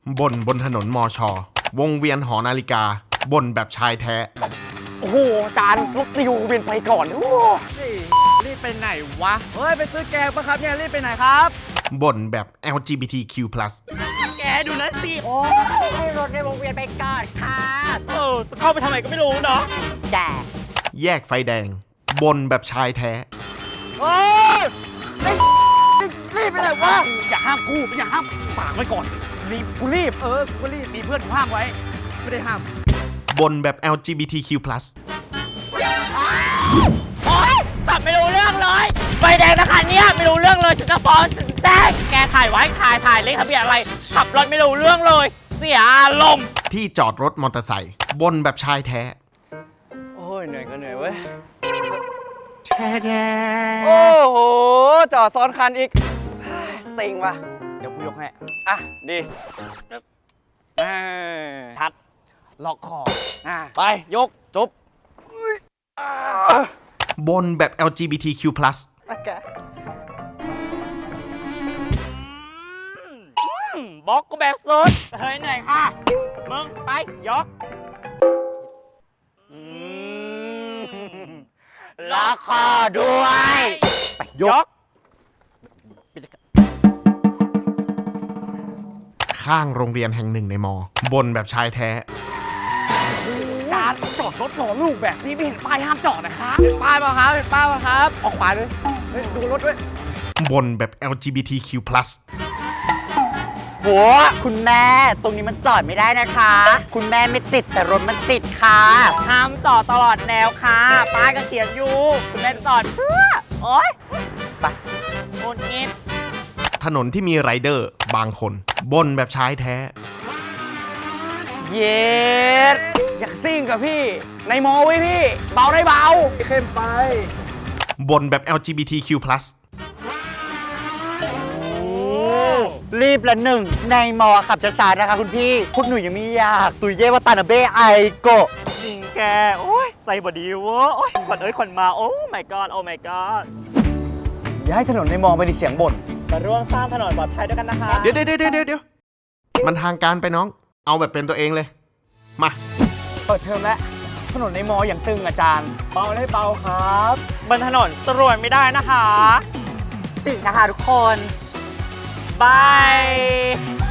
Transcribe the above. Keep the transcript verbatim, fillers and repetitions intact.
บ่นบนถนนมอชอวงเวียนหอนาฬิกาบ่นแบบชายแท้โอ้โหจานรถนิวเวียนไปก่อนโอ้รีบไปไหนวะเฮ้ยไปซื้อแกงปะครับเนี่ยรีบไปไหนครับบ่นแบบ แอล จี บี ที คิว พลัสแกดูนะสิโอ้ให้รถในวงเวียนไปก่อนค่ะเออจะเข้าไปทำไมก็ไม่รู้เนาะแกแยกไฟแดงบ่นแบบชายแท้โอ้ยรีบไปไหนวะอย่าห้ามกูอย่าห้ามฝากไว้ก่อนรีบกูรีบเออกูรีบมีเพื่อนกูห้ามไว้ไม่ได้ห้ามบ่นแบบ แอล จี บี ที คิว พลัสโอ๊ยตัดไม่รู้เรื่องเลยไฟแดงนะคะเนี่ยไม่รู้เรื่องเลยถึงจะฟ้องถึงแจ้งแกถ่ายไว้ถ่ายถ่ายเลขทะเบียนอะไรขับรถไม่รู้เรื่องเลยเสียอารมณ์ที่จอดรถมอเตอร์ไซค์บ่นแบบชายแท้โอ้ยเหนื่อยก็เหนื่อยเว้ยแท้แท้โอ้โหจอดซ้อนคันอีกสิงว่ะเดี๋ยวกูยกให้อ่ะดีชัดล็อกคอไปยกจบบ่นแบบ แอล จี บี ที คิว พลัสบล็อกกูแบบสุดเฮ้ยเหนื่อยค่ะมึงไปยกล็อกคอด้วยไปยกข้างโรงเรียนแห่งหนึ่งในมอบ่นแบบชายแท้จานจอดรถรอลูกแบบนี้ไม่เห็นป้ายห้ามจอดนะครับเห็นป้ายป่ะครับเห็นป้ายป่ะครับออกขวาเลยเฮ้ยดูรถด้วยบ่นแบบ แอล จี บี ที คิว พลัสโหคุณแม่ตรงนี้มันจอดไม่ได้นะคะคุณแม่ไม่ติดแต่รถมันติดค่ะห้ามจอดตลอดแนวค่ะป้ายก็เขียนอยู่คุณแม่จอดเพื่อโอ๊ยไปโอนเงินถนนที่มีไรเดอร์บางคนบ่นแบบชายแท้เย็ดอยากซิ่งกับพี่ในมอไว้พี่เบาได้เบาเข้มไปบ่นแบบ แอล จี บี ที คิว พลัสรีบละหนึ่งในมอขับช้าๆนะคะคุณพี่คุณหนูยังไม่อยากตุยเย่ว่าตานาเบ้ไอโกจริงแกโอ้ยใจบดีวะโอ้ยขวัญเอ้ยขวัญมาโอ้ my god โอ้ my god ย้ายถนนในมอไม่ได้เสียงบ่นมาร่วมสร้างถนนปลอดภัยด้วยกันนะคะเดี๋ยวเดี๋ยวเดี๋ยวเดี๋ยวมันทางการไปน้องเอาแบบเป็นตัวเองเลยมาเปิดเทอมแล้วถนนในมออย่างตึงอาจารย์เบาได้เบาครับบนถนนตรวจไม่ได้นะคะติดนะคะทุกคนบาย